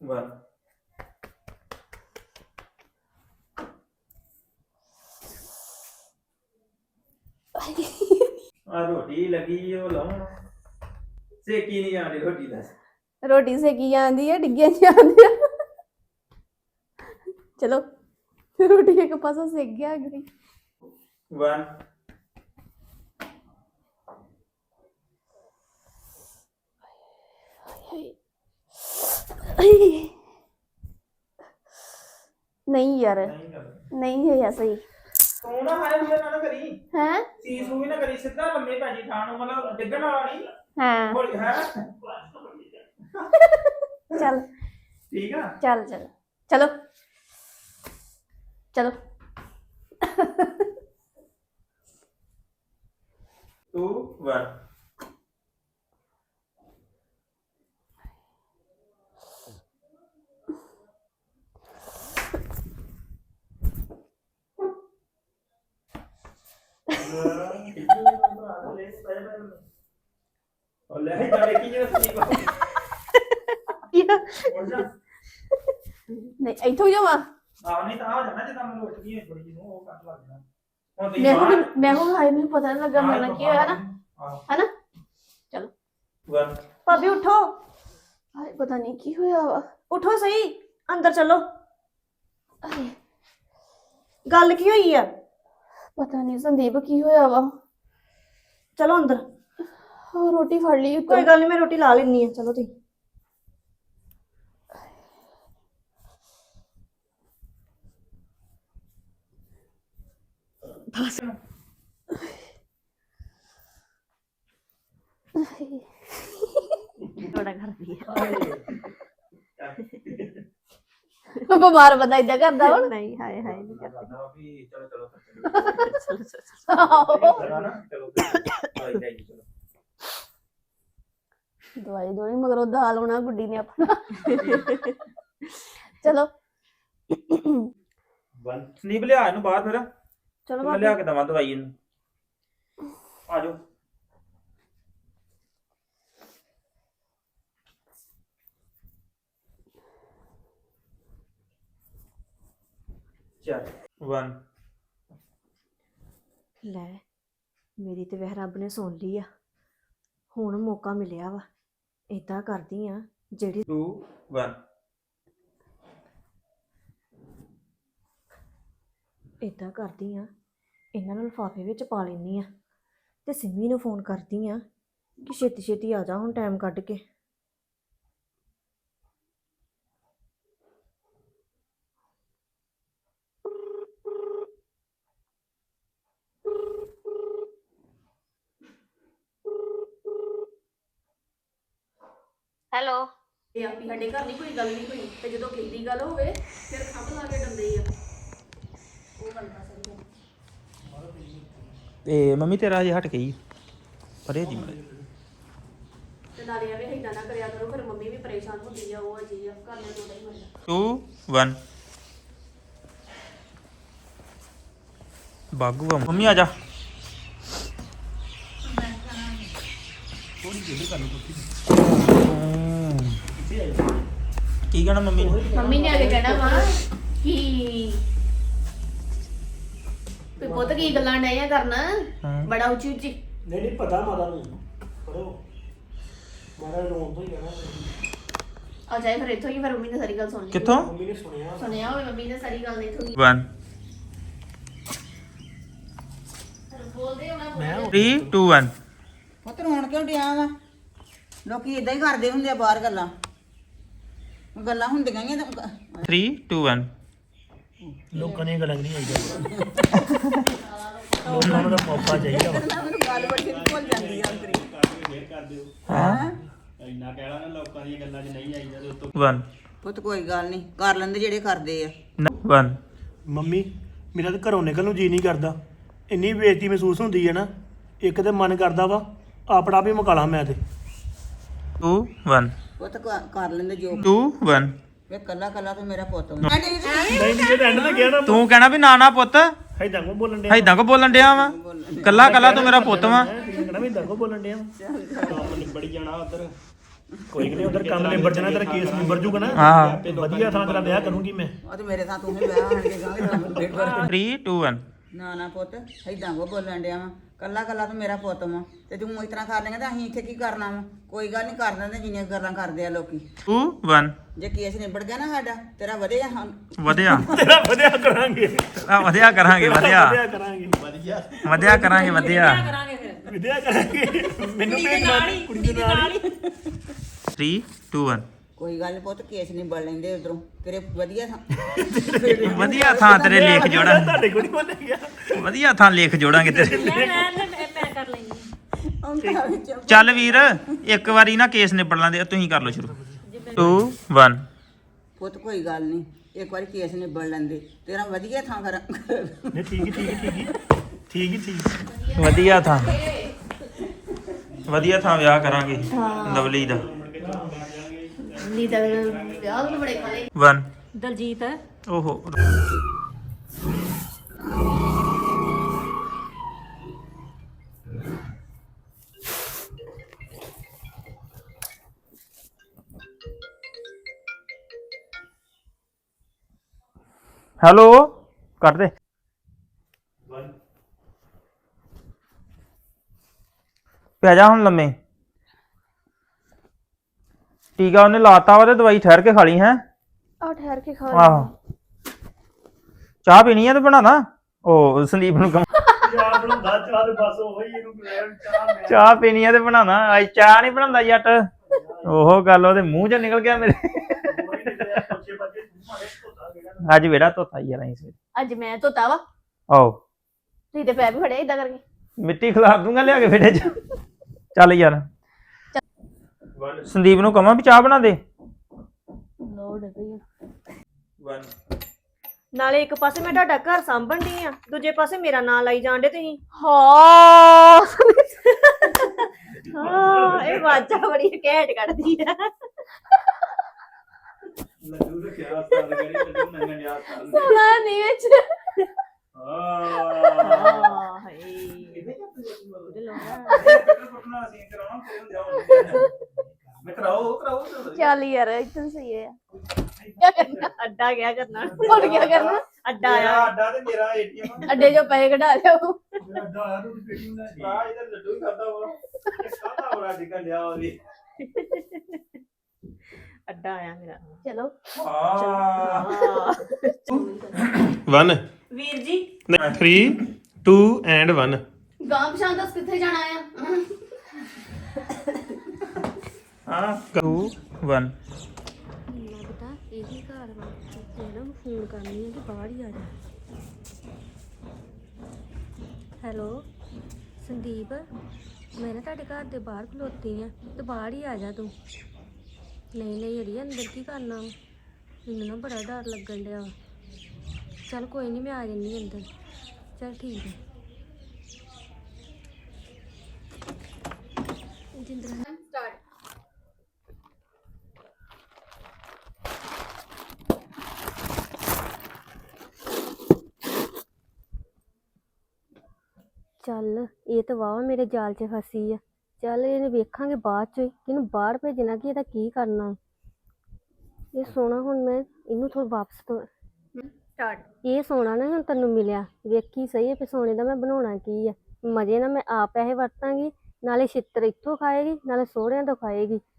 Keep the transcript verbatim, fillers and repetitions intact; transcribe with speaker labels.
Speaker 1: One आ रोटी लगी ओ लाऊं सेकी नहीं जानी रोटी दस
Speaker 2: रोटी सेकी जाती है डिग्गियां जाती है चलो रोटी एक पासा सेक गया गई
Speaker 1: वन
Speaker 2: नहीं यार
Speaker 1: नहीं कर
Speaker 2: नहीं है ऐसा ही
Speaker 1: तू ना हाय हुए ना ना करी
Speaker 2: हैं
Speaker 1: सीस हुई ना करी सीधा लम्बे पैजी ठाण मतलब डिगण वाला नहीं
Speaker 2: हाँ
Speaker 1: बोल है
Speaker 2: चल
Speaker 1: ठीक है
Speaker 2: चल चल चलो चलो
Speaker 1: टू वन और ले ही जाने की जरूरत नहीं को और जा
Speaker 2: नहीं इथों जावा
Speaker 1: आ नहीं तो आ जाना जदा मैं लौट गई थोड़ी जी वो कट लग जाना ਹੁਣ ਤੁਸੀਂ
Speaker 2: मैं को
Speaker 1: ਬਾਹਰ
Speaker 2: मैं को हाय नहीं पता नहीं लगा मेरा क्या है ना है ना चलो
Speaker 1: वन
Speaker 3: ਭਾਬੀ ਉਠੋ
Speaker 2: हाय पता नहीं की होया वा
Speaker 3: ਉਠੋ ਸਹੀ ਅੰਦਰ ਚਲੋ
Speaker 2: हाय,
Speaker 3: ਗੱਲ ਕੀ ਹੋਈ ਆ
Speaker 2: पता नहीं संदीप की होया वा
Speaker 3: ਚਲੋ ਅੰਦਰ
Speaker 2: हाँ, रोटी फड़ ली
Speaker 3: ਕੋਈ ਗੱਲ ਨਹੀਂ ਮੈਂ ਰੋਟੀ ਲਾ ਲੈਣੀ ਆ ਚਲੋ ਤੁਸੀਂ ਬਸ ਥੋੜਾ ਕਰਦੀ
Speaker 2: ਬਿਮਾਰ ਬੰਦਾ ਇਦਾਂ ਕਰਦਾ ਹੁਣ
Speaker 3: ਨਹੀਂ ਹਾਏ ਹਾਏ ਨਹੀਂ ਕਰਦੀ
Speaker 1: ਕਰਨਾ ਵੀ ਚਲੋ ਚਲੋ
Speaker 3: ਚਲੋ ਚਲੋ
Speaker 1: ਚਲੋ ਚਲੋ ਚਲੋ ਜਾਈਏ ਚਲੋ
Speaker 2: ਦਵਾਈ ਦੋਣੀ ਮਗਰੋਂ ਦਾਲ ਹੋਣਾ ਗੁੱਡੀ ਨੇ ਆਪਣਾ ਚਲੋ
Speaker 1: वन संदीप लिया ਇਹਨੂੰ ਬਾਹਰ ਫਿਰ
Speaker 3: ਚਲੋ
Speaker 1: ਮੈਂ ਲਿਆ ਕੇ ਦਵਾਂ ਦਵਾਈ ਇਹਨੂੰ ਆ ਜਾਓ ਚੱਲ वन
Speaker 3: ਲੈ ਮੇਰੀ ਤੇ ਵਹਿ ਰੱਬ ਨੇ ਸੁਣ ਲਈ ਆ ਹੁਣ ਮੌਕਾ ਮਿਲਿਆ ਵਾ ਏਦਾਂ ਕਰਦੀ ਆ ਜਿਹੜੀ
Speaker 1: टू वन
Speaker 3: ਏਦਾਂ ਕਰਦੀ ਆ ਇਹਨਾਂ ਨੂੰ ਲਿਫਾਫੇ ਵਿੱਚ ਪਾ ਲੈਂਦੀ ਆ ਤੇ ਸਿੰਮੀ ਨੂੰ ਫੋਨ ਕਰਦੀ ਆ ਕਿ ਛੇਤੀ ਛੇਤੀ ਆ ਜਾ ਹੁਣ ਟਾਈਮ ਕੱਢ ਕੇ
Speaker 2: ਹੈਲੋ ਇਹ ਆਪੀ ਸਾਡੇ ਘਰ ਨਹੀਂ ਕੋਈ ਗੱਲ ਨਹੀਂ ਕੋਈ ਤੇ ਜਦੋਂ ਕਿੰਦੀ ਗੱਲ ਹੋਵੇ ਫਿਰ ਖੰਭ ਲਾ ਕੇ ਡੰਦੇ ਆ ਉਹ ਗੱਲ ਤਾਂ ਸਹੀ ਹੈ
Speaker 1: ਤੇ ਮੰਮੀ ਤੇਰਾ ਜੇ ਹਟ ਗਈ ਪਰੇ ਦੀ ਮੜੇ
Speaker 2: ਤੇ ਨਾਲੇ ਐਵੇਂ ਏਦਾਂ ਨਾ ਕਰਿਆ ਕਰੋ ਫਿਰ ਮੰਮੀ ਵੀ ਪਰੇਸ਼ਾਨ ਹੁੰਦੀ ਆ ਉਹ ਅਜੀ ਆ ਘਰ ਨੇ ਥੋੜਾ ਹੀ ਹੁੰਦਾ
Speaker 1: टू वन ਬਾਗੂ ਆ ਮੰਮੀ ਆ ਜਾ ਕੀ ਕਹਿਣਾ ਮੰਮੀ ਨੇ
Speaker 2: ਮੰਮੀ ਨੇ ਆ ਕੇ ਕਹਿਣਾ ਵਾ ਕਿ ਵੀ ਪੁੱਤ ਕੀ ਗੱਲਾਂ ਡਏ ਆ ਕਰਨਾ ਬੜਾ ਉੱਚੀ ਉੱਚੀ
Speaker 4: ਨਹੀਂ ਨਹੀਂ ਪਤਾ ਮਾਤਾ ਨੂੰ ਪੜੋ ਮਾਤਾ ਰੋਣ ਤੋਂ ਹੀ ਕਹਿਣਾ
Speaker 2: ਆ ਜਾਏ ਫਿਰ ਇੱਥੋਂ ਹੀ ਫਿਰ ਮੰਮੀ ਨੇ ਸਾਰੀ ਗੱਲ ਸੁਣ ਲਈ
Speaker 1: ਕਿੱਥੋਂ
Speaker 4: ਮੰਮੀ ਨੇ ਸੁਣਿਆ
Speaker 2: ਸੁਣਿਆ ਹੋਵੇ ਮੰਮੀ ਨੇ ਸਾਰੀ ਗੱਲ ਇੱਥੋਂ ਹੀ
Speaker 1: वन
Speaker 2: ਬੋਲਦੇ ਹੋਣਾ
Speaker 1: थ्री टू वन
Speaker 5: ਪੁੱਤ ਰੋਣ ਕਿਉਂ ਡਿਆ ਵਾ ਲੋਕੀ ਇਦਾਂ ਹੀ ਕਰਦੇ ਹੁੰਦੇ ਆ ਬਾਹਰ ਗੱਲਾਂ ਗੱਲਾਂ ਹੁੰਦੀਆਂ ਹੀ ਆ ਤਾਂ
Speaker 1: थ्री टू वन
Speaker 4: ਲੋਕਾਂ ਨੇ ਗੱਲਾਂ ਨਹੀਂ ਆਈਆਂ ਲੋਕਾਂ ਨੂੰ ਤਾਂ ਪਾਪਾ ਚਾਹੀਦਾ ਵਾ
Speaker 5: ਮੈਨੂੰ ਗੱਲ ਬੜੀ ਭੁੱਲ ਜਾਂਦੀ ਆ ਅੰਦਰੀ
Speaker 1: हाँ
Speaker 4: ਇੰਨਾ ਕਹਿਣਾ ਨਾ ਲੋਕਾਂ ਦੀਆਂ ਗੱਲਾਂ 'ਚ ਨਹੀਂ ਆਈਦਾ ਤੇ ਉਤੋਂ
Speaker 1: वन
Speaker 5: ਪੁੱਤ ਕੋਈ ਗੱਲ ਨਹੀਂ ਕਰ ਲੈਂਦੇ ਜਿਹੜੇ ਕਰਦੇ ਆ
Speaker 1: वन
Speaker 4: ਮੰਮੀ ਮੇਰਾ ਤਾਂ ਘਰੋਂ ਨਿਕਲਣ ਨੂੰ ਜੀ ਨਹੀਂ ਕਰਦਾ ਇੰਨੀ ਬੇਇੱਜ਼ਤੀ ਮਹਿਸੂਸ ਹੁੰਦੀ ਹੈ ਨਾ ਇੱਕ ਤੇ ਮਨ ਕਰਦਾ ਵਾ ਆਪਣਾ ਵੀ ਮੁਕਾਲਾ ਮੈਂ ਤੇ
Speaker 1: टू वन
Speaker 5: ਪੁੱਤ ਕ- ਕਰ ਲੈਂਦੇ ਜੋ
Speaker 1: टू वन
Speaker 5: ਵੇ ਕੱਲਾ ਕੱਲਾ ਤੂੰ ਮੇਰਾ ਪੁੱਤ ਵਾ।
Speaker 4: ਨਹੀਂ ਨਹੀਂ ਜੇ ਐਂਡ ਤੇ ਗਿਆ ਨਾ
Speaker 1: ਤੂੰ ਕਹਿਣਾ ਵੀ ਨਾ ਨਾ ਪੁੱਤ
Speaker 4: ਹੈਦਾਂ ਕੋ ਬੋਲਣ ਡਿਆ
Speaker 1: ਐਦਾਂ ਕੋ ਬੋਲਣ ਡਿਆ ਵਾ ਕੱਲਾ ਕੱਲਾ ਤੂੰ ਮੇਰਾ ਪੁੱਤ ਵਾ
Speaker 4: ਕਹਿਣਾ ਵੀ ਇਦਾਂ ਕੋ ਬੋਲਣ ਡਿਆ ਵਾ ਕੰਮ ਨਿਬੜ ਜਾਣਾ ਉਧਰ ਕੋਈ ਨਹੀਂ ਉਧਰ ਕੰਮ ਨਿਬੜ ਜਾਣਾ ਤੇਰਾ ਕੇਸ ਨਿਬੜ ਜੂਗਾ ਨਾ
Speaker 6: ਹਾਂ।
Speaker 4: ਤੇ ਵਧੀਆ ਥਾਂ ਤੇਰਾ ਵਿਆਹ ਕਰੂੰਗੀ ਮੈਂ
Speaker 5: ਉਹ ਤੇ ਮੇਰੇ ਤਾਂ ਤੂੰ ਹੀ ਵਿਆਹ ਆਣ ਕੇ ਗਾਂਗੇ ਤਾਂ ਡੇਢ ਵਾਰ
Speaker 6: three two one
Speaker 5: ਨਾ ਨਾ ਪੁੱਤ ਏਦਾਂ ਕੋ ਬੋਲਣ ਡਿਆ ਵਾ ਕੱਲਾ ਕੱਲਾ ਤੂੰ ਮੇਰਾ ਪੁੱਤ ਵਾ ਤੇ ਤੂੰ ਇਸ ਤਰ੍ਹਾਂ ਕਰ ਲੇਂਗਾ ਤਾਂ ਅਸੀਂ ਇੱਥੇ ਕੀ ਕਰਨਾ ਵਾ ਕੋਈ ਗੱਲ ਨਹੀਂ ਕਰ ਦਿੰਦੇ ਜਿੰਨੀਆਂ ਗੱਲਾਂ ਕਰਦੇ ਆ ਲੋਕੀ
Speaker 6: two one
Speaker 5: ਜੇ ਕੇਸ ਨਿਬੜ ਗਿਆ ਨਾ ਸਾਡਾ ਤੇਰਾ ਵਧਿਆ ਹਾਂ
Speaker 6: ਵਧਿਆ
Speaker 4: ਤੇਰਾ ਵਧੀਆ ਕਰਾਂਗੇ
Speaker 6: ਆ ਵਧਿਆ ਕਰਾਂਗੇ ਵਧਿਆ
Speaker 4: ਵਧੀਆ ਕਰਾਂਗੇ ਵਧੀਆ
Speaker 6: ਵਧਿਆ ਕਰਾਂਗੇ ਵਧਿਆ
Speaker 4: ਵਧੀਆ ਕਰਾਂਗੇ ਮੈਨੂੰ ਭੇਜਣਾ ਕੁੜੀ ਦੇ ਨਾਲ ਹੀ
Speaker 6: three two one
Speaker 5: ਕੋਈ ਗੱਲ ਨੀ ਪੁੱਤ ਕੇਸ ਨਿਬੜ ਲੈਂਦੇ ਉਧਰੋਂ ਤੇਰੇ ਵਧੀਆ ਥਾਂ
Speaker 6: ਵਧੀਆ ਥਾਂ ਤੇਰੇ ਲੇਖ ਜੋੜਾਂ
Speaker 4: ਤੁਹਾਡੇ ਕੋਲ ਨਹੀਂ ਬੋਲਿਆ ਗਿਆ
Speaker 6: ਵਧੀਆ ਥਾਂ ਲੇਖ ਜੋੜਾਂਗੇ ਤੇਰੇ ਚੱਲ ਵੀਰ ਇੱਕ ਵਾਰੀ ਨਾ ਕੇਸ ਨਿਬੜ ਲਾਂਦੇ ਤੁਸੀਂ ਕਰ ਲਓ ਸ਼ੁਰੂ two one
Speaker 5: ਪੁੱਤ ਕੋਈ ਗੱਲ ਨਹੀਂ ਇੱਕ ਵਾਰੀ ਕੇਸ ਨਿਬੜ ਲੈਂਦੇ ਤੇਰਾ ਵਧੀਆ ਥਾਂ ਕਰ
Speaker 4: ਨਹੀਂ ਠੀਕ ਹੀ ਠੀਕ ਹੀ ਠੀਕ ਹੀ ਠੀਕ ਹੀ ਠੀਕ
Speaker 6: ਵਧੀਆ ਥਾਂ ਵਧੀਆ ਥਾਂ ਵਿਆਹ ਕਰਾਂਗੇ ਲਵਲੀ ਦਾ
Speaker 2: ਨੀ ਤਾਂ ਵਿਆਹ ਨੂੰ ਬੜੇ ਖਾਲੇ
Speaker 6: one
Speaker 3: ਦਲਜੀਤ
Speaker 6: ਓਹੋ ਹੈਲੋ ਕੱਟ ਦੇ ਪੈ ਜਾ ਹੁਣ ਲੰਮੇ ਟੀਕਾ ਉਹਨੇ ਲਾਤਾ ਵਾ ਤੇ ਦਵਾਈ ਠਹਿਰ ਕੇ ਖਾ ਲਈ ਹੈ
Speaker 3: ਆ ਠਹਿਰ ਕੇ ਖਾ
Speaker 6: ਆਹੋ ਚਾਹ ਪੀਣੀ ਆ ਤੇ ਬਣਾਣਾ ਉਹ ਸੰਦੀਪ ਨੂੰ ਕਮ
Speaker 4: ਚਾਹ ਬਣਾਉਂਦਾ ਚਾਹ ਦੇ ਬਸ ਉਹੀ ਇਹਨੂੰ ਲੈ ਚਾਹ ਮੈਂ
Speaker 6: ਚਾਹ ਪੀਣੀ ਆ ਤੇ ਬਣਾਣਾ ਅੱਜ ਚਾਹ ਨਹੀਂ ਬਣਾਉਂਦਾ ਜੱਟ ਉਹ ਗੱਲ ਉਹਦੇ ਮੂੰਹ ਚੋਂ ਨਿਕਲ ਗਿਆ ਮੇਰੇ
Speaker 4: ਕੋਈ ਨਹੀਂ ਤੇ ਬੱਚੇ ਬੱਚੇ ਮਾਰੇ ਧੋਤਾ ਗਿਆ
Speaker 6: ਅੱਜ ਵੇੜਾ ਧੋਤਾ ਯਾਰ ਅਸੀਂ ਸਵੇਰੇ
Speaker 2: ਅੱਜ ਮੈਂ ਧੋਤਾ ਵਾ
Speaker 6: ਆਓ
Speaker 2: ਤੁਸੀਂ ਤੇ ਪੈਰ ਵੀ ਫੜਿਆ ਇਦਾਂ ਕਰਕੇ
Speaker 6: ਮਿੱਟੀ ਖਿਲਾਰ ਦੂੰਗਾ ਲਿਆ ਕੇ ਫੇੜੇ ਚ ਚੱਲ ਯਾਰ ਸੰਦੀਪ ਨੂੰ ਕਹਾਂ ਵੀ ਚਾਹ ਬਣਾ ਦੇ
Speaker 2: ਲੋੜ ਪਈ
Speaker 6: one
Speaker 3: ਨਾਲੇ ਇੱਕ ਪਾਸੇ ਮੈਂ ਤੁਹਾਡਾ ਘਰ ਸਾਂਭਣ ਦੀ ਆ ਦੂਜੇ ਪਾਸੇ ਮੇਰਾ ਨਾਂ ਲਾਈ ਜਾਂਦੇ ਤੁਸੀਂ
Speaker 2: ਹਾਂ
Speaker 3: ਹਾਂ ਇਹ ਵਾਜਾ ਬੜੀ ਘੈਂਟ ਕੱਢਦੀ ਆ
Speaker 1: ਲੱਡੂ ਦਾ ਕਿਆ ਸਾਲ ਕਰੀ ਲੱਡੂ ਨੰਗਨ ਯਾਦ ਸਾਲ
Speaker 2: ਸੁਣਾ ਨਹੀਂ ਵਿੱਚ
Speaker 1: ਆਹ
Speaker 3: ਹਾਂ ਹਾਏ ਉਹਦੇ ਲੋਗਾ
Speaker 1: ਪਟਨਾ ਸੀ ਕਰਾਉਣਾ ਫਿਰ ਹੁੰਦੇ ਆਉਂ ਮੈਂ ਕਰਾਓ ਕਰਾਓ
Speaker 2: ਚੱਲ ਯਾਰ ਇਤਨ ਸਹੀ ਹੈ
Speaker 3: ਅੱਡਾ ਗਿਆ ਕਰਨਾ
Speaker 2: ਹੁਣ ਕੀ ਕਰਨਾ
Speaker 3: ਅੱਡਾ
Speaker 1: ਮੇਰਾ
Speaker 3: ਆਇਆ
Speaker 1: ਅੱਡਾ ਤੇ ਮੇਰਾ ਏਟੀਐਮ
Speaker 2: ਅੱਡੇ ਚੋਂ ਪੈਸੇ ਕਢਾ ਲਿਓ
Speaker 4: ਮੇਰਾ ਅੱਡਾ ਆਇਆ ਤੂੰ ਪੇਟੀ ਨੂੰ ਲੈ
Speaker 1: ਆ ਇਹਦਾ ਲੱਡੂ ਹੀ ਖਾਦਾ ਵਾ ਇਹ ਖਾਦਾ ਬੜਾ ਨਿਕਲ ਲਿਆ ਉਹਦੀ
Speaker 3: ਅੱਡਾ ਆਇਆ ਮੇਰਾ
Speaker 2: ਚਲੋ
Speaker 1: ਆ
Speaker 7: one
Speaker 3: ਵੀਰ ਜੀ
Speaker 7: three two and one
Speaker 2: ਗਾਂ ਪਛਾਣ ਦੱਸ ਕਿੱਥੇ ਜਾਣਾ ਆ
Speaker 6: ਹਾਂ two one
Speaker 3: ਲੱਗਦਾ ਇਹੀ ਘਰ ਵਾ ਇਹਨਾਂ ਨੂੰ ਫੋਨ ਕਰਨੀ ਹੈ ਕਿ ਬਾਹਰ ਹੀ ਆ ਜਾ ਹੈਲੋ ਸੰਦੀਪ ਮੈਂ ਨਾ ਤੁਹਾਡੇ ਘਰ ਦੇ ਬਾਹਰ ਖਲੋਤੀ ਆ ਤੇ ਬਾਹਰ ਹੀ ਆ ਜਾ ਤੂੰ ਨਹੀਂ ਨਹੀਂ ਅੜੀ ਅੰਦਰ ਕੀ ਕਰਨਾ ਵਾ? ਮੈਨੂੰ ਨਾ ਬੜਾ ਡਰ ਲੱਗਣ ਡਿਆ ਵਾ ਚੱਲ ਕੋਈ ਨਹੀਂ ਮੈਂ ਆ ਜੰਨੀ ਅੰਦਰ ਚੱਲ ਠੀਕ ਹੈ ਜਿੰਦਰਾ
Speaker 2: ਸਟਾਰਟ
Speaker 3: ਚੱਲ ਇਹ ਤਾਂ ਵਾਵਾ ਮੇਰੇ ਜਾਲ 'ਚ ਫਸੀ ਆ ਚੱਲ ਇਹਨੇ ਵੇਖਾਂਗੇ ਬਾਅਦ 'ਚ ਕਿ ਇਹਨੂੰ ਬਾਹਰ ਭੇਜਣਾ ਕਿ ਇਹਦਾ ਕੀ ਕਰਨਾ ਇਹ ਸੋਨਾ ਹੁਣ ਮੈਂ ਇਹਨੂੰ ਥੋੜਾ ਵਾਪਸ ਤੋਂ
Speaker 2: ਸਟਾਰਟ
Speaker 3: ਇਹ ਸੋਨਾ ਨਾ ਹੁਣ ਤੈਨੂੰ ਮਿਲਿਆ ਵੇਖੀ ਸਹੀ ਹੈ ਵੀ ਸੋਨੇ ਦਾ ਮੈਂ ਬਣਾਉਣਾ ਕੀ ਆ ਮਜ਼ੇ ਨਾਲ ਮੈਂ ਆਪ ਪੈਸੇ ਵਰਤਾਂਗੀ ਨਾਲੇ ਛਿੱਤਰ ਇੱਥੋਂ ਖਾਏਗੀ ਨਾਲੇ ਸਹੁਰਿਆਂ ਤੋਂ ਖਾਏਗੀ